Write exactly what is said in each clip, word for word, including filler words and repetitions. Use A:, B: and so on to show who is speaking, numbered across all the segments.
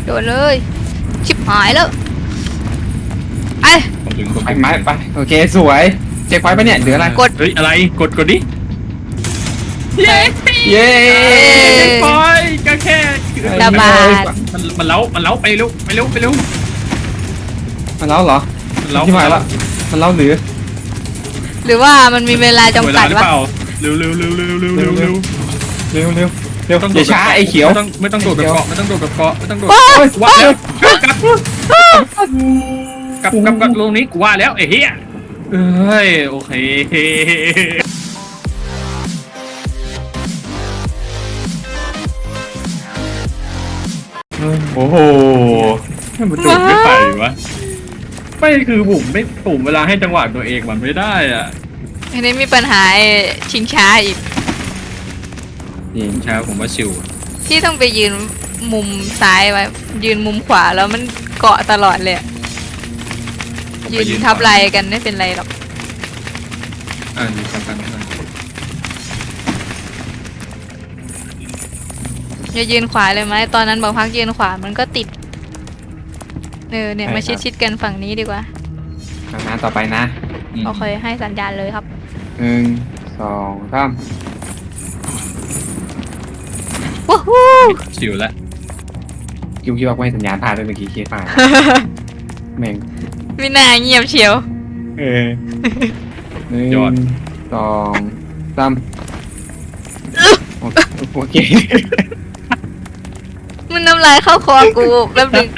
A: โดนเลยชิบหายแล้วไอ้
B: ผมถึงผม
C: ไป
B: ถึง
C: ไม้ไปโอเคสวยเช็คไว้ปะเนี่ยเหลืออะไร
A: กด
B: เฮ้ยอะไรกดกดดิ
A: เย้
C: เย้
B: ปล่อยก็แค่
A: ระบาด
B: มันมันเล้ามันเล้าไปเร็วไปเร็วไปเร็ว
C: มันเล่าเหรอ
B: มันเล้า
C: ที่หมายละมันเล่าหรือ
A: หรือว่ามันมีเวลา
B: เว
A: จำ
B: ลา
A: กัด
B: หรือ
A: วะ
B: เปล่าเร็วเร็วเร็วเร็วเร็วเร็วเร็ว
C: เร็วเร็วเร็ว
B: ต้อง
C: อย่าช้าไอ้เขียว
B: ไม่ต้องไม่ต้องโดดแบบเกาะไม่ต้องโดดแบบเกาะไม่ต้องโดด
C: โอ้ย
B: ว่าแล้วกลับกลับกลับกลับลงนี้กูว่าแล้วไอ้เหี้ยเอ้ยโอเค
C: โอ้โห
B: มันโดดไม่ไปวะไม่คือผมไม่ผมเวลาให้จังหวะตัวเองมันไม่ได้อ่ะ
A: อันนี้มีปัญหาไอ้ชิงช้าอีก
C: จริง
B: ใช่ผมว่าชิว
A: ที่ต้องไปยืนมุมซ้ายไว้ยืนมุมขวาแล้วมันเกาะตลอดเลยอะยืนทับไหลกันไม่เป็นไรหรอก
B: อ่านี่สำคัญมาก
A: อย่ายืนขวาเลยไหมตอนนั้นบอกพักยืนขวามันก็ติดเออเนี่ยมาชิดๆกันฝั่งนี้ดีกว่า
C: ทางนั้นต่อไปนะ
A: โอเคให้สัญญาณเลยครับ
C: หนึ่งสองสาม
A: วู้ฮู้
B: ชิวแล้ว
C: คิวคิดว่าไม่สัญญาณพลาดด้วยเมื่อกี้คิดพลาดแม่ง
A: ไม่น่าเงียบเชียว
C: เออหนึ่งสองสามโอเค
A: มันน้ำลายเข้าคอกูแป๊บนึง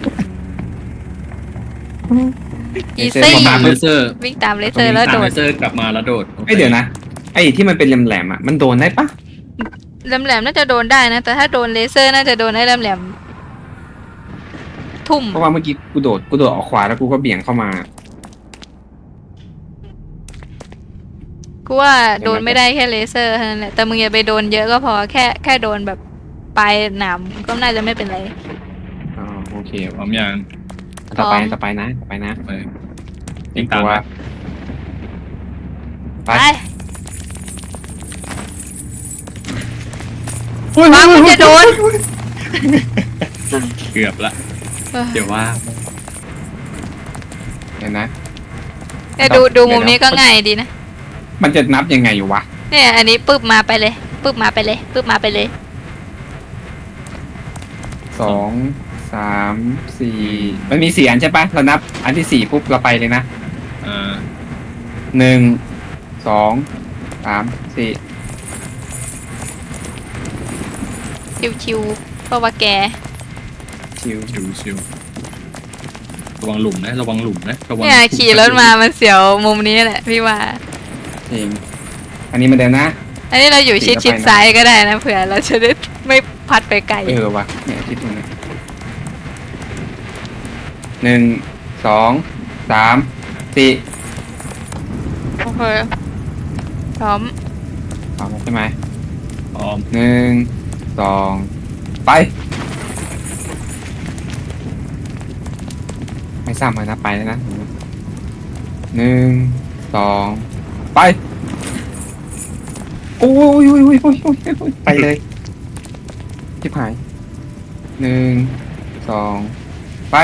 A: อีซี่
B: ตามเลเซอร์
A: วิ่งตามเลเซอร์แล้วโด
B: ตามเล
A: ด
B: เซอร์กลับมาแล้วโดด
C: ไอยเดี๋ยวนะไอที่มันเป็นแหลมๆอ่ะมันโดนได้ปะ
A: แหลมๆน่าจะโดนได้นะแต่ถ้าโดนเลเซอร์น่าจะโดนไอ้แหลมๆทุ่ม
C: เพราะว่าเมื่อกี้กูโดดกูโดดออกขวาแล้วกูก็เบี่ยงเข้ามา
A: กูว่าโดนไม่ได้แค่เลเซอร์เท่านั้นแหละแต่มึงอย่าไปโดนเยอะก็พอแค่แค่โดนแบบปลายหนามก็น่าจะไม่เป็นไร
C: อ๋อโอเค
B: พร้อมยัง
C: ต่อไป
A: พร้อม
C: ต่อไปนะต่อไปนะ
B: ไปยิงตาม
C: ตัว
B: มา
C: ไป
A: ไป
C: อุ้ย
A: ฟังมึงจะโดน
B: เกือบละเดี๋ยวว่า
C: เห็นนะ
A: เนี่ยดูดูมุมนี้ก็ง่ายดีนะ
C: มันจะนับยังไงอยู่วะ
A: เนี่ยอันนี้ปึ๊บมาไปเลยปึ๊บมาไปเลยปึ๊บมาไปเลย
C: สองสามสี่มันมีสี่อันใช่ปะเรานับอันที่สี่ปุ๊บเราไปเลยนะ
B: อ่า
C: หนึ่งสองสามสี่
A: ชิวๆเพราะว่าแก
C: ชิว
B: ชิวชิวระวังหลุมนะระวังหลุมนะระวัง
A: เนี่ยขี่รถมามันเสียวมุมนี้แหละพี่ว่า
C: จริงอันนี้เหมันเดิมนะ
A: อันนี้เราอยู่ชิดชิดซ้ายก็ได้นะเผื่อเราจะได้ไม่พัดไปไกล
C: เออวะเนี่ยคิดตรงนี้หนึ่งสองสามสี่
A: โอเคพร้อม
C: สองใช่ไหม
B: พร้อม
C: หนึ่งสองไปไม่ซ้ำเลยนะไปแล้วนะหนึ่งสองไปโอ้ยโอ้ยโอ้ยโอ้ยโอ้ยโอ้ยไปเลยชิบหายหนึ่งสองไป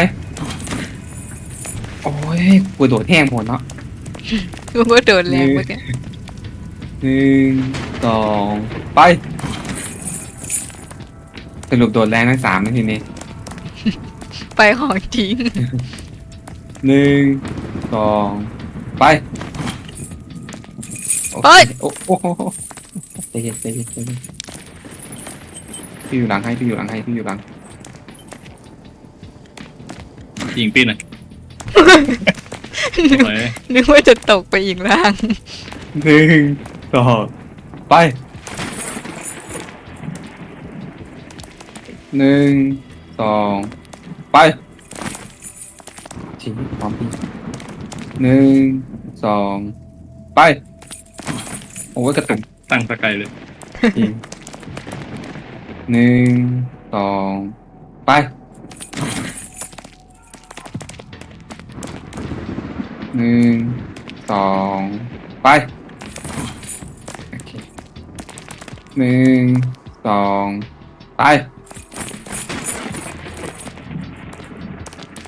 C: โอ้ยกูโดดแห้งหมดเนาะ
A: กูก็โดนแรงเหมือนกัน
C: หนึ่งสองไปสรุปโดดแรงทั้งสามนาทีนี้
A: ไปของจริง
C: หนึ่งสองไปโอเค
A: เฮ้ย
C: โอ้โหใจเย็นใจเย็นใจเย็นพี่อยู่หลังให้พี่อยู่หลังให้พี่อยู่หลัง
B: ยิงปีนหน่อยไป
A: นึกว่าจะตกไปอีกล่าง
C: หนึ่งสองไปหนึ่งสองไปทิ้งพร้อมพี่หนึ่งสองไปโอ้ยกระตุก
B: ตั้งสกายเลย
C: จริงหนึ่งสองไปหนึ่งสองไปโอเคหนึ่งสองไป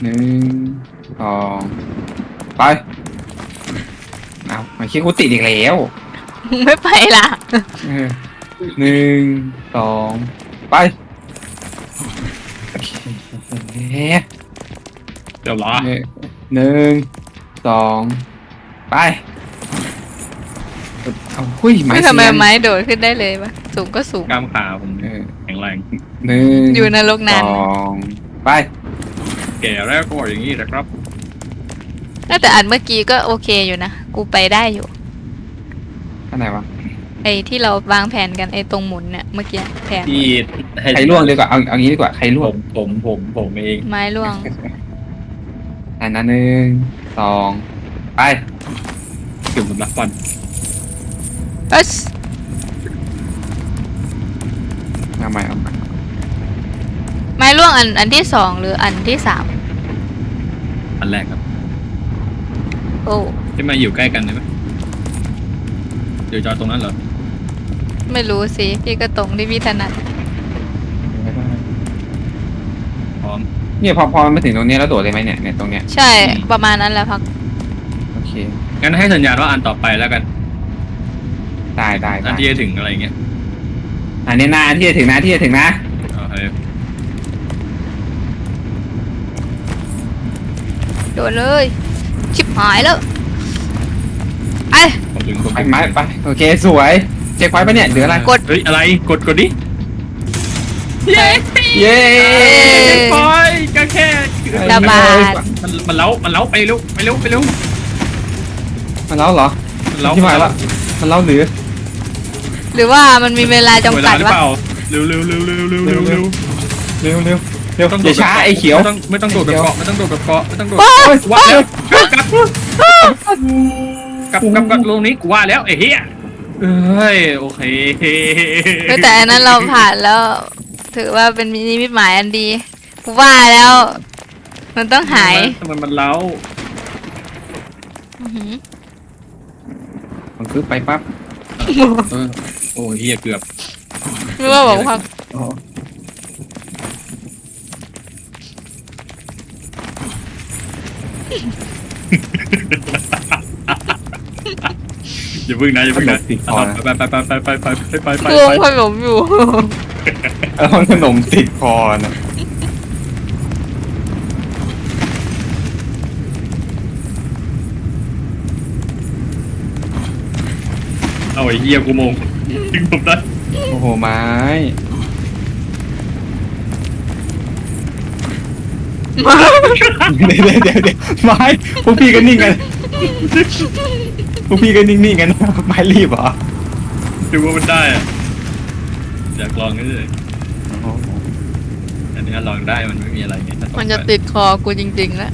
C: หนึ่งสองไปเอามันคิดกูติดอีกแล้ว
A: มึงไม่ไปล่ะ
C: เออหนึ่งสองไปโอเค
B: เดี๋ยวรอ
C: หนึ่งสองไปเอาหุ้ยไม้
A: ไม่
C: เสี
A: ทำไม
C: ยน
A: ไม้โดดขึ้นได้เลยวะสูงก็สูง
B: กล้ามขาผม
C: เออ
B: แข็งแรง
C: หนึ่ง
A: อยู่นรก
C: ส
A: นาน
C: องไป
B: แก่แล้วก็อย่างนี้นะครับ
A: แต่อันเมื่อกี้ก็โอเคอยู่นะ กูไปได้อยู่
C: อันไหนวะ
A: ไอ้ที่เราวางแผนกันไอ้ตรงหมุนเนี่ยเมื่อกี้แผน
B: ที่
C: ใครล่วงดีกว่าเอาเอางี้ดีกว่าใครล่ว
B: ผ
C: ง
B: มผมผมผมเอง
A: ไม้ล่วง
C: อันนั้นหนึ่งสองไป
B: เกือบผมรักฟัน
A: เอ้ย
C: เอาใหม่เอาใหม่
A: ไม้ล่วงอันอันที่สองหรืออันที่สาม
B: อันแรกครับ
A: โอ้
B: ที่มาอยู่ใกล้กันได้ไหมเดี๋ยวจอดตรงนั้นเหรอ
A: ไม่รู้สิพี่ก็ตรงที่พี่ถนัด
B: พร้อม
C: เนี่ยพอพอมันมาถึงตรงนี้แล้วโดดเลยไหมเนี่ยเนี่ยตรงเนี้ย
A: ใช่ประมาณนั้นแหละพัก
C: โอเค
B: งั้นให้สัญญาณว่าอันต่อไปแล้วกัน
C: ได้ได้
B: อั
C: ได้
B: นที่จะถึงอะไรเงี้ย
C: อันนี้นะอันที่จะถึงนะที่จะถึงนะ
B: โอเค
A: โดดเลย ชิบหายแล้วไอ้
B: ผมถึงผม
C: ไป
B: ถึง
C: ไม้ไปโอเคสวยเช็คไว้ปะเนี่ยเหลืออะไร
A: กด
B: เฮ้ยอะไรกดกดดิ
A: เย้
C: เย้
B: ปล่อยก็แค่
A: ระบาด
B: มันมันเล้ามันเล้าไปเร็วไปเร็วไปเร็ว
C: มันเล่าเหรอ
B: มันเล้า
C: ที่หมายละมันเล่าหรือ
A: หรือว่ามันมีเวลาจำกัด
B: เวลหรือ
A: วะ
B: เปล่าเร็วเร็วเร็วเร็วเร็วเร็วเร็ว
C: เร็วเร็วเร็ว
B: ต้อง
C: อย่าช้าไอ้เขียว
B: ไม่ต้องไม่ต้องโดดแบบเกาะไม่ต้องโดดแบบเกาะไม่ต้องโดด
A: ว้าว
B: ว่าแล้วกลับกลับกลับกลับลงนี้กูว่าแล้วไอ้เหี้ยเอ้ยโอเค
A: เฮ้ยแต่อันนั้นเราผ่านแล้ว ถือว่าเป็นนิมิตหมายอันดีกูว่าแล้ว มันต้องหาย
B: ทำไมมันเล้า
A: อื้อหือ
C: มันคือไปปั๊บ
B: เออโอ้เหี้ยเกือบ
A: ไม่ว่าบอกว่า
C: อ๋อ
B: อย่าพึ่งนะอย่าพึ่งนะไปไปไปไปไปไปไปไป
A: กลัว
B: ไป
A: ขนมอยู่
C: แล้วมันขนมติดคอนะ
B: เอาไอ้เหี้ยกูมงดึงผมได้
C: โอ้โหไม้ เดี๋ยวเดี๋ยวเดี๋ยวไม้พวกพี่ก็นิ่งกันพวกพี่ก็นิ่งๆกันไม้รีบเหรอ
B: ดูว่ามันได้อะอยากลองนี่เลย
C: โอ้โห
B: อันนี้ลองได้มันไม่มีอะไรไง
A: มันจะติดคอกูจริงๆแล้ว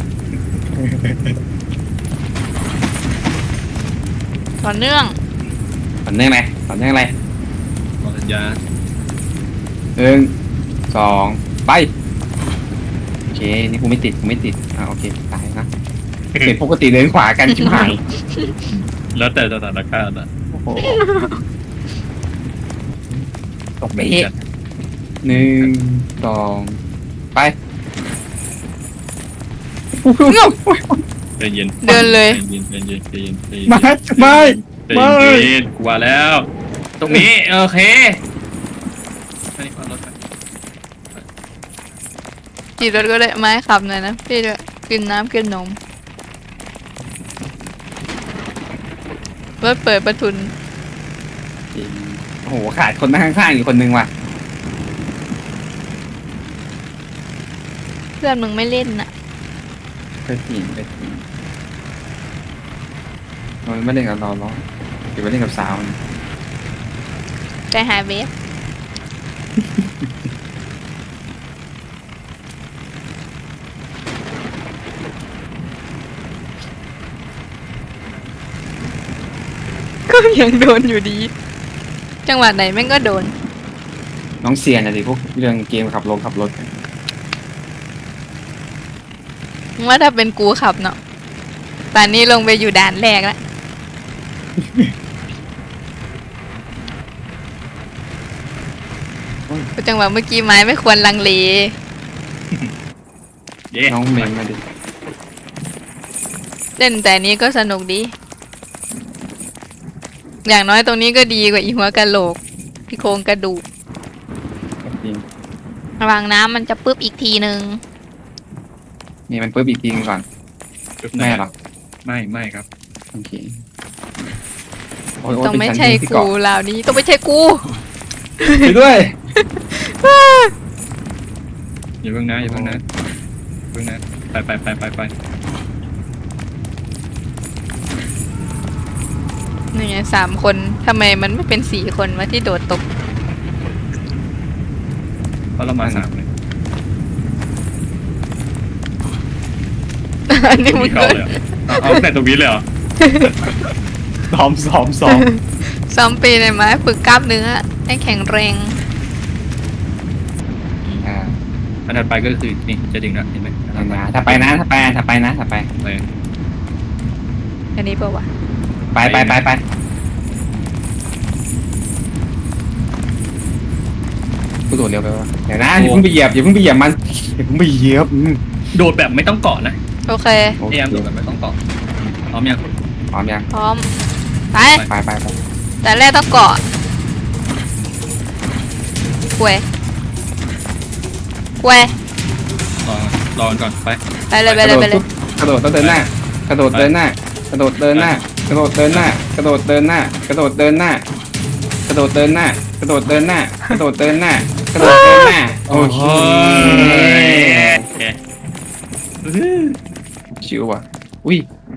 A: ต่อเนื่อง
C: ต่อเนื่องไหมต่อเนื่องอะไร
B: ลองสัญญา
C: หนึ่งสองไปโอเคนี่กูไม่ติดกูไม่ติดอ่าโอเคตายนะเห็นปกติเดินขวากันชิบหาย
B: แล้วแต่สถานการณ์อะ
C: โอ้โหตกเบะหนึ่งสองไป
B: ใจเย็น
A: เดินเลย
B: ใจเย็นใจเย็นใจเย็นใจเย็น
C: ไม่ไม่
B: ใจเย็นกูว่าแล้ว ตรงนี้โอเคอันนี้ขอรถไป
A: ขี่รถก็ได้ไม้ขับหน่อยนะพี่ด้วยกินน้ำกินนมรถเปิดประทุน
C: โอ้โหขาดคนนั่งข้างๆอยู่คนนึงว่ะ
A: เพื่อนมึงไม่เล่นน่ะ
C: เคยจีนเคยจีนมันไม่เล่นกับเราหรอกเดี๋ยวไปเล่นกับสาวนะ
A: ใจหายเวฟ ก็ยังโดนอยู่ดี จังหวะไหนแม่งก็โดน
C: น้องเซียนอะดิพวกเรื่องเกมขับรถขับรถ
A: ว่าถ้าเป็นกูขับเนาะตอนนี้ลงไปอยู่ด่านแรกแล้ว จังหวะเมื่อกี้ไม้ไม่ควรลังเล
B: เย้
C: น้องเมนมาดิ
A: เล่นแต่นี้ก็สนุกดี อย่างน้อยตรงนี้ก็ดีกว่าอีหัวกะโหลกพี่โครงกระดูก
C: จริง
A: ระวังน้ำมันจะปึ๊บอีกทีนึง
C: นี่มันปุ๊บอีกทีนึงก่อนแม่หรอ
B: ไม่ไม่ครับ
C: โอเคโอ้ยโอ้ย
A: ต้อง
C: เป็น
A: ไม่
C: ชั้น
A: ใช่
C: ที่
A: กู
C: เกาะ
A: ลาวนี้ต้องไม่ใช่กู
C: ไปด้วย
B: อย่าเพิ่งนะอย่าเพิ่งนะอย่าเพิ่งนะไปไปไปไปไป
A: นี่ไงสามคนทำไมมันไม่เป็นสี่คนวะที่โดดตก
B: เพราะเรามาสามเลย
A: อันนี้มึง
B: เขา
A: ก็
B: เลยเหรอเอาเอาแต่ตรงนี้เลยเหรอ
C: ซ้อมซ้อมซ้อม
A: ซ้อมปีนเลยไหมฝึกกล้ามเนื้อให้แข็งแรง
C: อ่า
B: อันถัดไปก็คือนี่จะดึงแล้วเห็นไหมอันถัดไป
C: นะถ้าไปนะถ้าไปถ้าไปนะถ้าไป
B: เลย
A: อันนี้เปล่าวะ
C: ไปไปไปไปกูโดดเร็วไปวะเดี๋ยวนะอย่าเพิ่งไปเหยียบอย่าเพิ่งไปเหยียบมันอย่าเพิ่งไปเหยียบอืม
B: โดดแบบไม่ต้องเกาะนะ
A: โอเค
C: โอ
B: พ
C: เค
B: ยายามโดดแบบไม่ต้องเกาะพร้อมยัง
C: พร้อมยัง
A: พร้อม ไป
C: ไปไปไป
A: แต่แรกต้องเกาะกล้วยกล้วย
B: รอรอก่อนไป
A: ไปเลยไปเลยไปเลย
C: กระโดดต้องเดินหน้ากระโดดเดินหน้ากระโดดเดินหน้ากระโดดเดินหน้ากระโดดเดินหน้ากระโดดเดินหน้ากระโดดเดินหน้ากระโดดเดินหน้ากระโดดเดินหน้ากระโดดเดินหน้าโอเค
B: โอเค
C: ชิวว่ะอุ้ย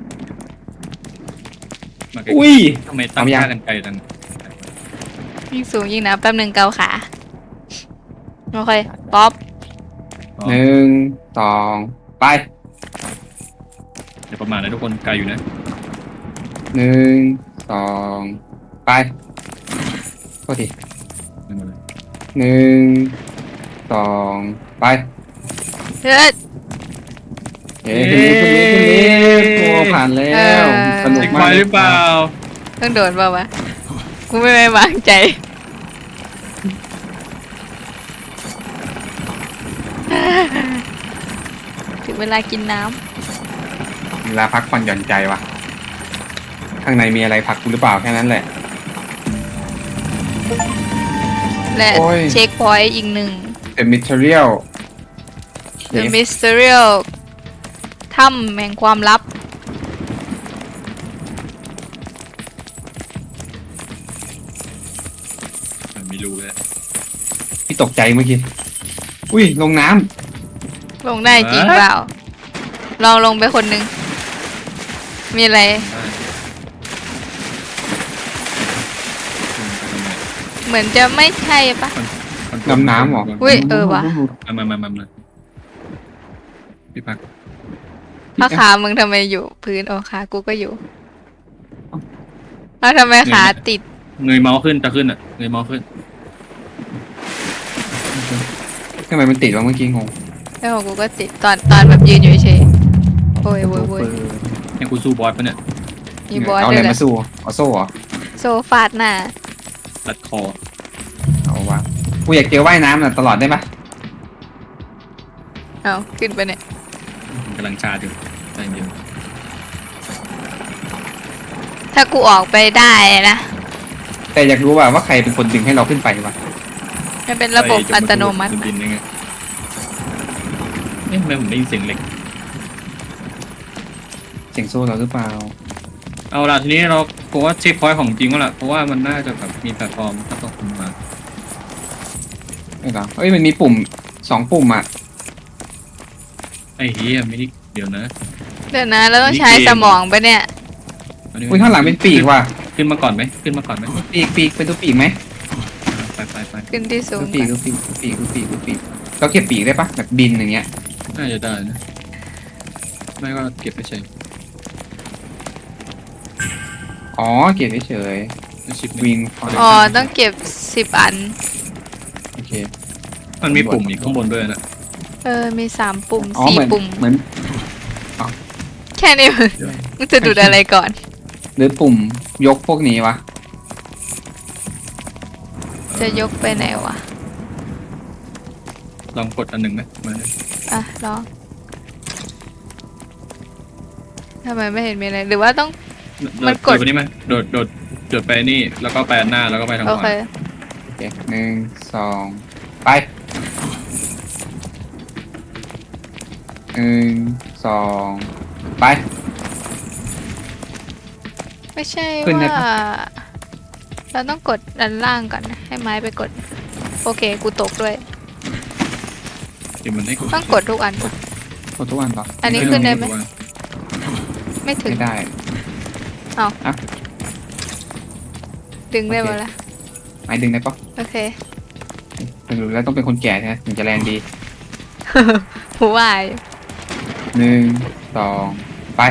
B: มาใกล้
C: อุ้ย
B: ทำไมตั้ง
C: เอายัง
B: ค่ากันไกลจัง
A: ยิ่งสูงยิ่งหนะแป๊บหนึ่งเกาขาโอเคป๊อป
B: อ๋อ
C: หนึ่งสองไป
B: เดี๋ยวประมาณนะทุกคนไกลอยู่นะ
C: หนึ่งสองไปโทษที
B: นั่นมาเลย
C: หนึ่งสองไป
A: เฮ้ย
C: เฮ้ยขึ้นลิฟต์ขึ้นลิฟต์ขึ้นลิฟต์โอ้ผ่านแล้วสนุก
B: เด็ก
C: มา
B: ไฟ
C: ก
B: หรือเปล่า
A: ต้องโดดเปล่าวะกูไม่ไม่วางใจ ถึงเวลากินน้
C: เวลาพักผ่อนหย่อนใจว่ะข้างในมีอะไรพักกูหรือเปล่าแค่นั้นแหละ
A: ำและ
C: โอ้ย
A: เช็คพอยต์อีกหนึ่ง
C: The Material
A: The Mysterial ถ้ำแห่งความลับ
B: ไม่รู้เลย
C: พี่ตกใจเมื่อกี้อุ้ยลงน้ำ
A: ลงได้จริงเปล่า ลองลงไปคนหนึ่ง มีอะไร เหมือนจะไม่ใช่ปะ
C: ดำน้ำเหรอ
A: อุ้ยเออว่ะ
B: มามามามามาพี่พัก
A: เพราะขามึงทำไมอยู่พื้นโอ้ขากูก็อยู่แล้วทำไมขาติด
B: เงยเมาส์ขึ้นจะขึ้นอ่ะเงยเมาส์ขึ้น
C: ทำไมมันติดวะเมื่อกี้งง
A: แล้วของกูก็ติดตอนตอนแบบยืนอยู่เฉยโอ้ยโว้ยโว้ย
B: ยังกูสู้บอสปะเนี่ย
A: มีบอส
C: เอา
A: ด้
C: อะ
A: วย
C: ไร
A: เหรอ
C: มาสู้เอาโซ่เหรอ
A: โซฟาดหน้า
B: ตัดคอ
C: เอาวะกูอยากเจอว่ายน้ำน่ะตลอดได้ปะ
A: เอาขึ้นไปเนี่ย
B: กำลังชาอยู่ใจเย็น
A: ถ้ากูออกไปได้นะ
C: แต่อยากรู้ว่าว่าใครเป็นคนดึงให้เราขึ้นไปวะ
A: มันเป็นระบบอัตโนมัติ
B: บินยังไงเอ๊ะทำไมผมได้ยินเสียงเหล็ก
C: เสียงโซ่เราหรือเปล่า
B: เอาล่ะทีนี้เราผมว่าเช็คพอยต์ของจริงแล้วล่ะเพราะว่ามันน่าจะแบบมีแพลตฟอร์มก็ต้องขึ้นมา
C: ไม่หรอเอ้ยมันมีปุ่มสองปุ่มอ่ะ
B: ไอ้เฮียไม่ได้เดี๋ยวนะ
A: เดี๋ยวนะเราต้องใช้สมองปะเนี่ย
B: นนี้
C: อุ้ยข้างหลังเป็นปีกว่ะ
B: ขึ้นมาก่อนไหมขึ้นมาก่อนไหม
C: ปีกปีกเป็นตัวปีกไหม
B: ไปไปไป
A: ขึ้นที่สู
C: ตั
A: ง
C: วปีกตัวปีกตัวปีกตัวปีกตัวปีกเราเก็บปีกได้ปะแบบบินอย่างเงี้ย
B: น่าจะได้นะไม่ก็เก็บไปเฉย
C: อ๋อเก็บเฉย
B: ชิป
C: ๆวิงไฟ
A: อ๋อต้องเก็บสิบอัน
C: โอเค
B: มันมีปุ่มอีกข้างบนด้วยนะ
A: เออมีสามปุ่ม
C: อ๋อ
A: สี่
C: เหมือน
A: ปุ่ม
C: เหมือน
A: แค่นี้มึงมึงจะดูดอะไรก่อน
C: หรือปุ่มยกพวกนี้วะ
A: จะยกไปไหนวะ
B: ลองกดอันหนึ่งไหมมา
A: อ่ะลองทำไมไม่เห็นมีอะไรหรือว่าต้อง มันกด
B: โดดไปนี่ไหมโดดโดดโดดไปนี่แล้วก็ไปอันหน้าแล้วก็ไปทางข
A: โอ
B: วา
A: เค
C: โอเคหนึ่งสองไปหนึ่งสองไป
A: ไม่ใช่
C: ขึ้นได้
A: ว่า
C: ปะ
A: เราต้องกดด้านล่างก่อนนะให้ไม้ไปกด โอเค กูตกด้วย
B: เดี๋ยวมันให้กด
A: ต้องกดทุกอัน
C: กดทุกวันต่อ
A: อันนี้ขึ้นได้ไหม ไม่ถึง
C: ไม่ได้
A: ดึงได้
C: โอเค
A: หมดละ
C: ไม้ดึงได้ปะ
A: โอเค
C: ถึงแล้วต้องเป็นคนแก่ใช่ไหมถึงจะแรงดี
A: หูวาย
C: หนึ่งสองไป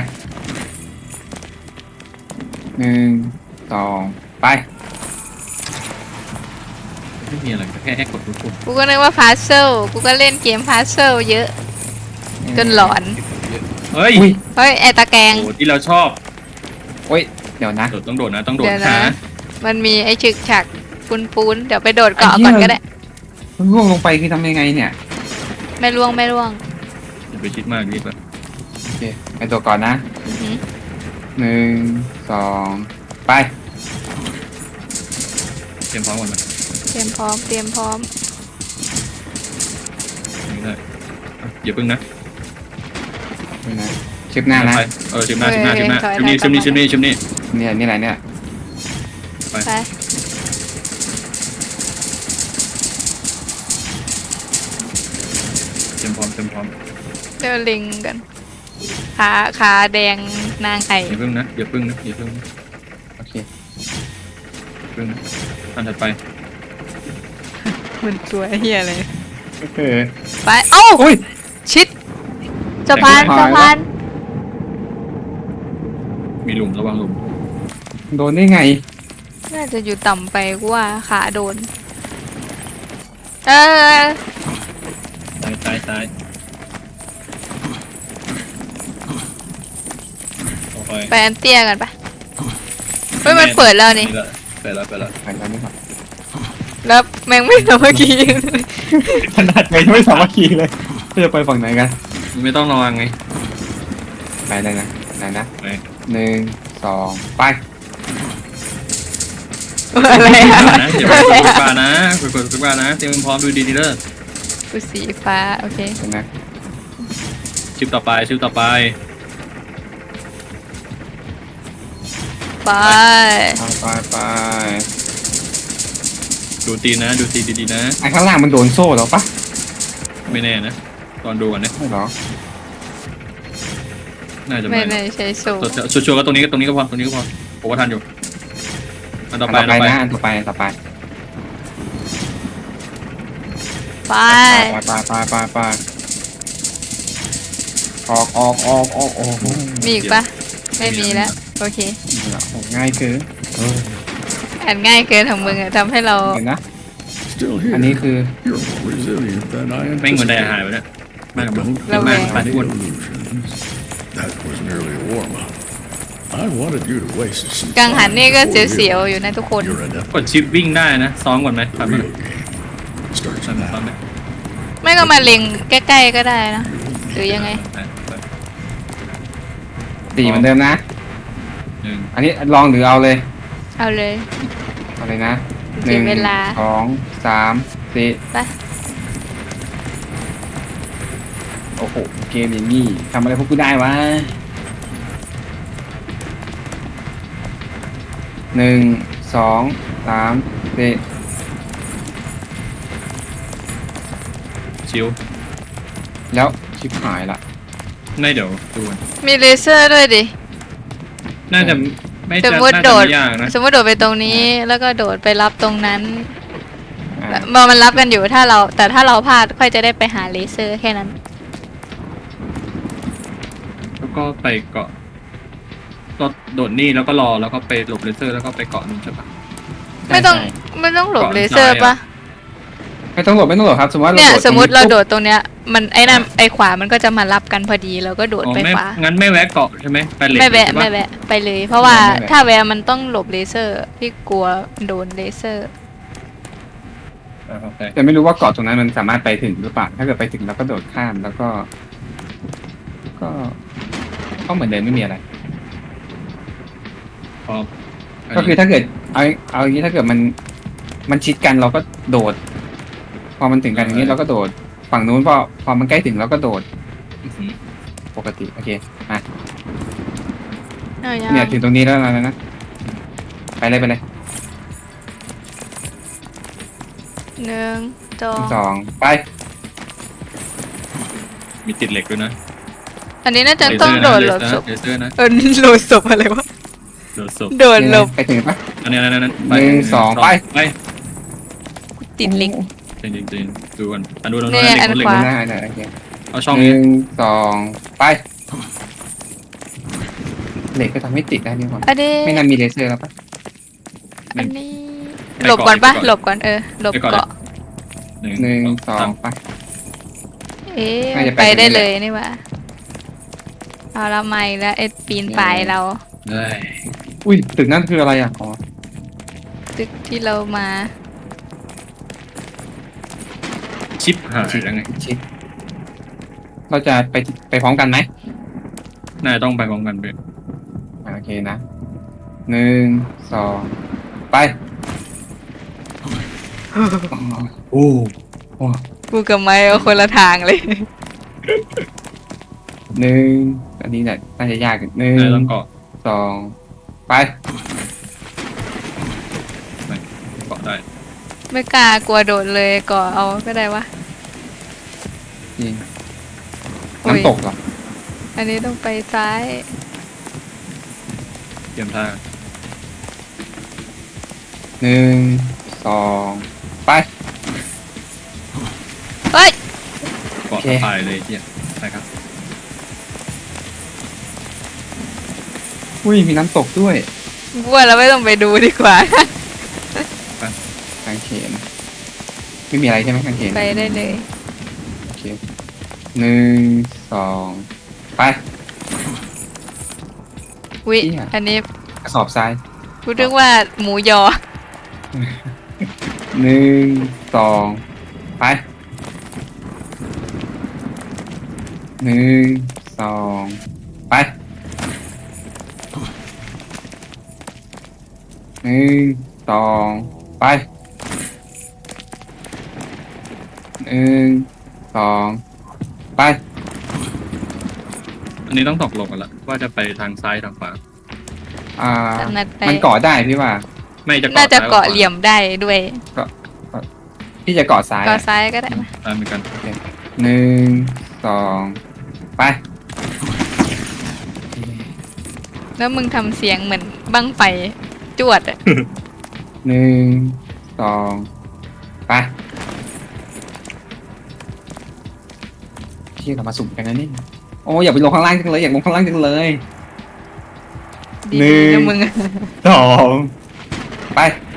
C: หนึ่งสองไป
B: ไม่มีอะไรแค่ให้กดทุกคน
A: กูก็นึกว่าพาร์เซลกูก็เล่นเกมพาร์เซลเยอะ จนหลอน
B: เฮ้ย
C: อุ้ย
A: เฮ้ย ไอตะแกรง
B: โอ้ที่เราชอบ
C: โอ้ยเดี๋ยวนะ
B: โดดต้องโดดนะต้องโดด
A: เดี๋ยวนะ
B: หา
A: มันมีไอฉึกฉักปูนปูนๆเดี๋ยวไปโดดเกาะก่อนก็ได้
C: มันร่วงลงไปคือทำยังไงเนี่ย
A: ไม่ล่วงไม่ล่วง
B: อย่าไปคิดมากรีบแบบ
C: โอเคไปตัวก่อนนะ
A: อือหือ
C: หนึ่งสองไป
B: เตรียมพร้อมก่อนไหม
A: เตรียมพร้อม เตรียมพร้อม
B: นี่ได้อ่ะอย่าพึ่งนะ
C: ไปนะชิปหน้านะ
B: ไปเออชิมหน้าชิมหน้า
A: เออ
B: ชิมหน้า
A: ถอย
B: ชิมนี่
A: ถอย
B: ชิมนี่
A: กลั
B: ชิ
A: บ
B: ม
A: มา
B: นี่ชิมนี่
C: เนี่ยนี่อะไรเนี่ย
A: ไป
B: เตรียมพร้อมเตรียมพร้อม
A: เดี๋ยวลิงกัน ขาขาแดงนางไข่
B: อย่าพึ่งนะอย่าพึ่งนะอย่าพึ่งนะ
C: โอเค
B: อย่าพึ่งนะอันถัดไป
A: มันสวยเฮียเลย
C: เออ
A: ไป โอ้า
C: อุ้ย
A: ชิดสะพาน
C: แตก
A: สะ
C: ไม่พอ
A: พาน
B: มีหลุมระวังหลุม
C: โดนได้ไง
A: น่าจะอยู่ต่ำไปกูว่าขาโดน เออ
B: ซ้ายซ้ายซ้ายโอเค
A: ไปอันเตี้ยกันปะเฮ้ยมันเปิดแล้วนี่
B: เปิดแล้วเปิดแล้ว
C: ไปแล้วนี่ครับ
A: แล้วแมงไม่ทำเมื่อกี้
C: ขนาดไงไม่สามัคคีเลยจะไปฝั่งไหนกัน
B: ไม่ต้องระวังไง
C: ไปได้นะไหนนะ
B: ไป
C: หนึ่งสองไป
A: อะไรอะ
B: นะอย่าไปกดทุกปลานะไปกดทุกปลานะเตรียมพร้อมดูดีดีเด้อ
A: กูสีฟ้า โอเค
C: เห็นไหม
B: ชิปต่อไปชิปต่อไป
A: ไป
C: ไปไปไป
B: ดูตีนนะ ดูตีนดีๆนะ
C: ไอ้ข้างล่างมันโดนโซ่แล้วปะ
B: ไม่แน่นะ ตอนดูก่อนนะ
C: ไม่หรอ
B: น่าจะ
A: ไม่
B: ไม่
A: ได้ใช้โซ่
B: ชัวร์ๆก็ตรงนี้ก็ตรงนี้ก็พอตรงนี้ก็พอผมว่าทันอยู่อันต่อไป
C: อัน
B: อัน
C: ต่อ
B: ต่อไป
C: ไปนะอันต่อไปอันต่อไป
A: ไป
C: ไปไปไปไปไปออกออกออกออกออก
A: มีอีกปะไม่มีแล้ว โอเค
C: ออกง่ายคือเออ
A: อ่านง่ายเกินของมึงอะทำให้เรา
C: เห็นนะ
D: Still
C: อันนี้
D: here.
C: คือ
D: You're more resilient than I
B: แม่งเหมือนไดอา
D: anticipated.
B: หายไปแล้วมากกับมึง
D: Don't
A: ระแว
B: มาก
A: ง
B: ไปทุกคน
D: illusions. That was merely a warm-up. I wanted you to waste some
A: กังหัน
D: time
A: นี่ก็
D: before
A: เสียวๆ
D: realizing
A: อยู่นะทุกคน
D: you're adept
B: กดชิปวิ่งได้นะ ซ้อมก่อนไหม
D: at
B: ทำ
D: the
B: ไหม
D: real game. Starts
B: ทำไหม
D: now.
B: ซ้อมไหม
A: ไม่ก็มาเล็งใกล้ๆก็ได้นะ หรือยังไง
B: ไปไป
C: สี่เหมือนเดิมนะ
B: หนึ่ง
C: อันนี้ลองหรือเอาเลย
A: เอาเลย
C: เอาเลยนะ
A: เสียเวลา
C: สองสามสี่
A: ไป
C: โอ้โหเกมอย่างนี้ทำอะไรพวกกูได้วะหนึ่งสองสามสี่
B: ชิว
C: แล้วชิบหายละ
B: ไม่เดี๋ยวดูก่อน
A: มีเลเซอร์ด้วยดิ
B: น่าจะไม่
A: ส
B: จะ
A: มมติ
B: น่า
A: โด
B: จะ
A: ด
B: ไม่ยากนะ
A: สมมติโดดไปตรงนี้ แล้วก็โดดไปรับตรงนั้น
C: อ่ะ
A: มอมันรับกันอยู่ถ้าเรา แต่ถ้าเราพลาดค่อยจะได้ไปหาเลเซอร์แค่นั้น
B: แล้วก็ไปเกาะก็โดดนี่แล้วก็รอแล้วก็ไปหลบเลเซอร์แล้วก็ไปเกาะนู่นใช่ปะ
A: ไม่ต้อง
C: ใช่
A: ไม่ต้องหลบ
B: ก่อน
A: เลเซอร์
B: ซ้ายอะ
A: ปะ
C: ไม่ต้องหลบไม่ต้องหลบครับ สมมติว่า
A: เนี่ย
C: เราโดด
A: สมมติเราโด
C: ปุ๊บ
A: ดตรงเนี้ย มันไอ้นั่นไอ้ขวามันก็จะมารับกันพอดีเราก็โดด
B: อ๋อ
A: ไป
B: ไม่
A: ขวา
B: งั้นไม่แวะเกาะใช่ไหมไปเหล็ก
A: ไม่แวะ
B: ใช่ป
A: ไม่แวะไปเลย เพราะว่าถ้าแวะมันต้องหลบเลเซอร์พี่กลัวโดนเลเซอร์
B: อ่าโอเค
C: แต่ไม่รู้ว่าเกาะตรงนั้นมันสามารถไปถึงหรือเปล่าถ้าเกิดไปถึงเราก็โดดข้ามแล้วก็ ก็ โอก็เหมือนเดิมไม่มีอะไร
B: พร้อม
C: ก็คือถ้าเกิดเอาเอาอย่างนี้ถ้าเกิดมันมันชิดกันเราก็โดด พอมันถึงกันอย่างนี้เราก็โดด ฝั่งนู้นพอพอมันใกล้ถึงเราก็โดด
B: อื้อหือ
C: ปกติโอเคมา
A: เอายัง
C: เนี่ยถึงตรงนี้แล้วนะนะไปเลยไปเลย
A: หนึ่งสอง
C: สองไป
B: มีติดเหล็กด้วยนะ
A: อันนี้น่าจะต้องโดดหลบศพ
B: เลเซอร์นะ
A: เออโดดศพอะไรวะ
B: โดดศพ
A: โดดหลบ
C: ไปถึงปะ
B: อันนี้อันนั้นอันนั้น
C: หนึ่งสองไป
B: ไป
A: ติดลิง
B: จริงจริงจริงดูกันอันดูเรา
A: เนี่
B: เหล็
A: ย
B: ก
A: อัน
B: เหล็ก
A: ขวา
C: หน้าหน้าโอเค
B: เอาช่อง
C: ห
B: นี้
C: นึ่งสองไปเหล็กก็ทำให้ติดได้นี่หว่า
A: อันนี้
C: ไม่น่ามีเลเซอร์แล้วปะ
A: อันนี้หลบก่อนปะหลบก่อนเออหลบเกาะ
B: หนึ่ง
C: หนึ่งสอ
B: สาง ม
C: ไป
A: เอ๊ะ
C: น่าจะ
A: ไป
C: ไป
A: ได้
C: ถึงนี่แห
A: เล
C: ละ
A: ยนี่หว่าเอาละไม่แล้วไอ้ปีนป่ายเรา
B: เฮ้ย
C: อุ้ยตึกนั่นคืออะไรอ่ะอ๋อ
A: ตึกที่เรามา
B: ชิปหายยังไง
C: ชิดเราจะไปไปพร้อมกันไหม
B: น่าจะต้องไปพร้อมกันเป็น
C: อ่าโอเคนะหนึ่งสองไป
B: โอ้
C: โอ้
A: กูกับไม้เอาคนละทางเลย
C: หนึ่งอันนี้เนี่ยน่าจะยากหนึ่ง
B: น่าจะต้องเกาะ
C: สองไป
B: เกาะได้
A: ไม่กล้ากลัวโดดเลยก่อเอาก็ได้วะ
C: จริง
A: โอ้ย
C: น้ำตกเหรอ
A: อันนี้ต้องไปซ้าย
B: เตรียมท่า
C: หนึ่งสองไป
A: เฮ้ย
B: เกาะ
C: โอเค
B: สะพายเลยเที่ยไปครับ
C: อุ้ยมีน้ำตกด้วย
A: กูว่าเราไม่ต้องไปดูดีกว่า
C: กางเขนไม่มีอะไรใช่ไหมกางเขน
A: ไปได้เลย
C: โอเคหนึ่งสองไป
A: วิ
C: เหี้ย
A: อันนี้
C: กระสอบทราย
A: กูนึกว่าหมูยอ
C: หนึ่งสองไปหนึ่งสองไปหนึ่งสองไปหนึ่งสองไป
B: อันนี้ต้องตกลงกันละว่าจะไปทางซ้ายทางขวา
C: อ่า
A: ถนัดไป
C: มันเกาะได้พี่ว่า
B: ไม่จะเกาะ
A: น่าจะ
B: ซ้ย
A: เกาะเหลี่ยมได้ด้วย
C: พี่จะเกาะซ้าย
A: เกาะ
C: อะ
A: ซ้ายก็ได้มา
B: ตามเหมือนกัน
C: หนึ่งสองไป
A: แล้วมึงทำเสียงเหมือนบั้งไฟจวดอะ
C: หนึ่งสองไปพี่เรามาสุ่มกันนะนี่โอ้อย่าไปลงข้างล่างจังเลยอยากลงข้างล่างจังเลย
A: ดี
C: หนึ่ง
A: ๆนะมึงอะ
C: สองไป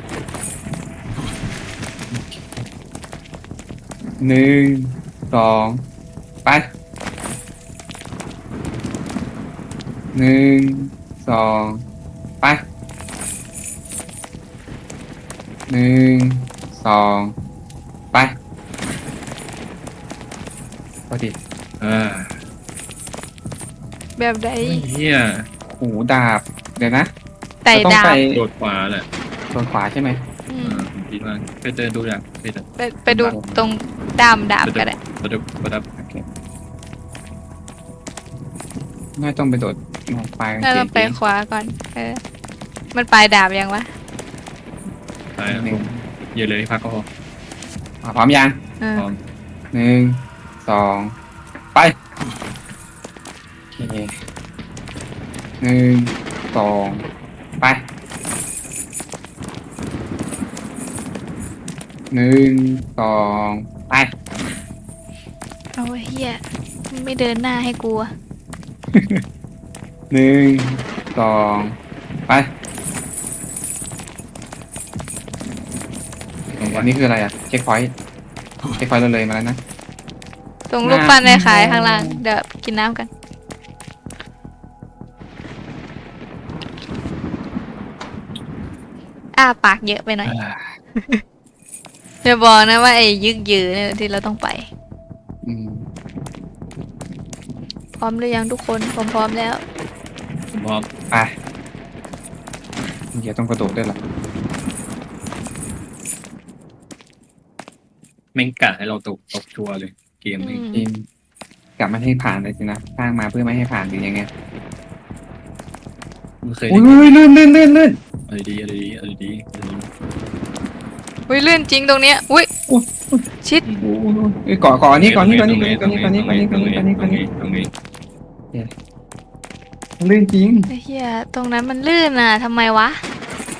C: หนึ่งสองไปหนึ่งสองไปหนึ่งสองไปพอดี
B: อ่า
A: แบบใด
B: เฮีย
C: โอ้โหดาบเดี๋ยวนะ
A: ไต่
C: เราต้อง
A: ดา
C: ไป
A: บ
B: โดดขวาแหละ
C: โดนขวาใช่ไหม
A: อื
B: อ่าม ผมคิดว่าไปเจอดูอย่างไปเจอ
A: ไปไปดูตรงด้ามดาบก็ได้
B: ประดับประดับ
C: โอเคน่าต้องไปโดดมองปลายกาง
A: ถ้า
C: เก
A: เรา
C: ง
A: ไปขวาก่อน เออ มันปลายดาบยังวะ
B: ไปลงเยอะเลยพักก็พอ
C: อ่ะพร้อมยัง
A: เออ
B: พร้อม
C: หนึ่งสองไปโอเคหนึ่งสองไปหนึ่งสองไป
A: เอาเฮียไม่เดินหน้าให้กูอะ
C: หนึ่งสองไปอันนี้คืออะไรอ่ะเช็คพอยต์เช็คพอยต์เราเลยมาแล้วนะ
A: ส่งรูปปั้นไปขายข้างล่าง เดี๋ยวกินน้ำกัน อ้าปากเยอะไปหน่อยอย่าบอกนะว่าไอ้ยึกยือเนี่ยที่เราต้องไป
C: อืม
A: พร้อมหรือยังทุกคนผมพร้อมแล้ว
B: ผมพร้อม
C: ไปเดี๋ยวต้องกระโดดด้วยล่ะ
B: แม่งกะให้เราตกตกชัวร์เลย เกมนี้
A: อืม
C: ทีมกลับมาให้ผ่านเลยสินะสร้างมาเพื่อไม่ให้ผ่านหรือยังไง
B: ไม่เคย
C: อุ้
B: ได้
C: ยลื่นลื่นลื่นลื่น
B: อะไรดีอะไรดีอะไรดีอะไรดี
A: อุ้ยลื่นจริงตรงเนี้ยอุ้ย
C: อุ้ย
A: ชิด
C: โอ้ยก่อก่อนี่ก่อนนี่ก่อนนี่ก่อนนี่ก่อนนี่ก่อนนี่ก่อนนี่ก่อนนี่ก่อนนี่ก่อนนี่
B: ตรงนี้
C: ลื่นจริง
A: ไอ้เหี้ยตรงนั้นมันลื่นอ่ะทำไมวะ